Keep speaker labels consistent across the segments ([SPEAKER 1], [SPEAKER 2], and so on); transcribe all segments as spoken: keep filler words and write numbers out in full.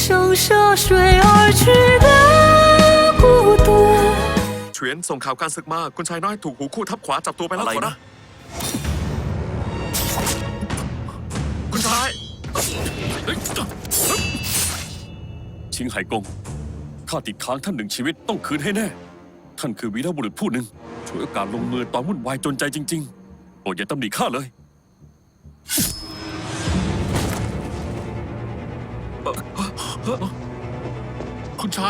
[SPEAKER 1] 生涉水而去的孤独。
[SPEAKER 2] เฉวียนส่งข่าวการศึกมาคุณชายน้อยถูกหูคู่ทับขวาจับตัวไปแล้ว
[SPEAKER 3] อะไร
[SPEAKER 2] ขอรั
[SPEAKER 3] นะ
[SPEAKER 2] บคุณชาย
[SPEAKER 4] ชิงไห่กงข้าติดค้างท่านหนึ่งชีวิตต้องคืนให้แน่ ท่านคือวีรบุรุษผู้หนึ่งช่วยโอกาสลงมือตอนวุ่นวายจนใจจริงๆโปรดอย่าตำหนิข้าเลย
[SPEAKER 2] คุณชาย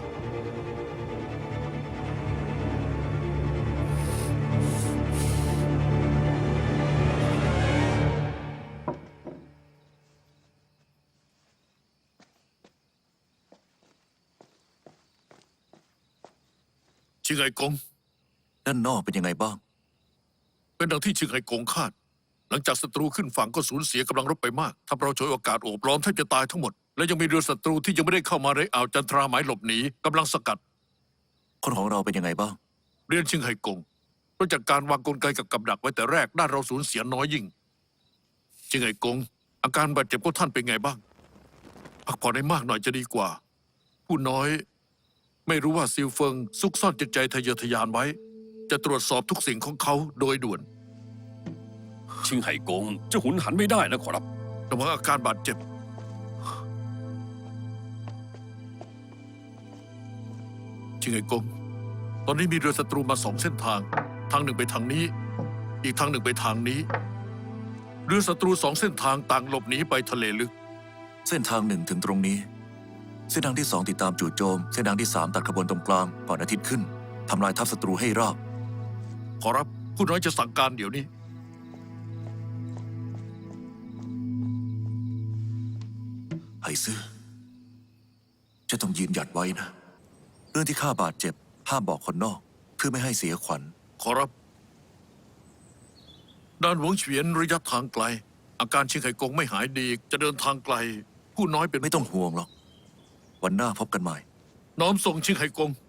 [SPEAKER 2] ชิงไห่กง
[SPEAKER 3] ด้านนอกเป็นยังไงบ้าง
[SPEAKER 5] เป็นดังที่ชิงไห่กงคาด หลังจากศัตรูขึ้นฝั่งก็สูญเสียกำลังรบไปมากทำเราฉวยโอกาสโอบล้อมแทบจะตายทั้งหมด และยังมีเรือศัตรูที่ยังไม่ได้เข้ามาในอ่าวจันทราหมายหลบหนีกำลังสกัด
[SPEAKER 3] คนของเราเป็นยังไงบ้าง
[SPEAKER 5] เรียนชิงไห่กงเพราะจากการวางกลไกกับกับดักไว้แต่แรกด้านเราสูญเสียน้อยยิ่ง ชิงไห่กง อาการบาดเจ็บของท่านเป็นไงบ้าง พักผ่อนให้มากหน่อยจะดีกว่า ผู้น้อย ไม่รู้ว่าซิลเฟิงซุกซ่อนจิตใจทะเยอทะยานไว้ จะตรวจสอบทุกสิ่งของเขาโดยด่วน
[SPEAKER 4] ชิงไห่กงจะหุนหันไม่ได้นะขอรับ
[SPEAKER 5] ระวังอาการบาดเจ็บ ชิงไห่กง ตอนนี้มีเรือศัตรูมาสองเส้นทาง ทางหนึ่งไปทางนี้ อีกทางหนึ่งไปทางนี้ เรือศัตรูสองเส้นทางต่างหลบหนีไปทะเลลึก
[SPEAKER 3] เส้นทางหนึ่งถึงตรงนี้ เส้นทางที่สองติดตามจู่โจม เส้นทางที่สามตัดขบวนตรงกลางก่อนอาทิตย์ขึ้นทำลายทัพศัตรูให้ราบ
[SPEAKER 5] ขอรับผู้น้อยจะสั่งการเดี๋ยวนี้
[SPEAKER 3] ไห่ซื่อจะต้องยืนหยัดไว้นะ เรื่องที่ข้าบาดเจ็บห้ามบอกคนนอก เพื่อไม่ให้เสียขวัญ
[SPEAKER 5] ขอรับ ด้านหวงเฉวียนระยะทางไกล อาการชิงไห่กงไม่หายดี จะเดินทางไกล ผู้น้อยเป็น
[SPEAKER 3] ไม่ต้องห่วงหรอก วันหน้าพบกันใหม่
[SPEAKER 5] น้อมส่งชิงไห่กง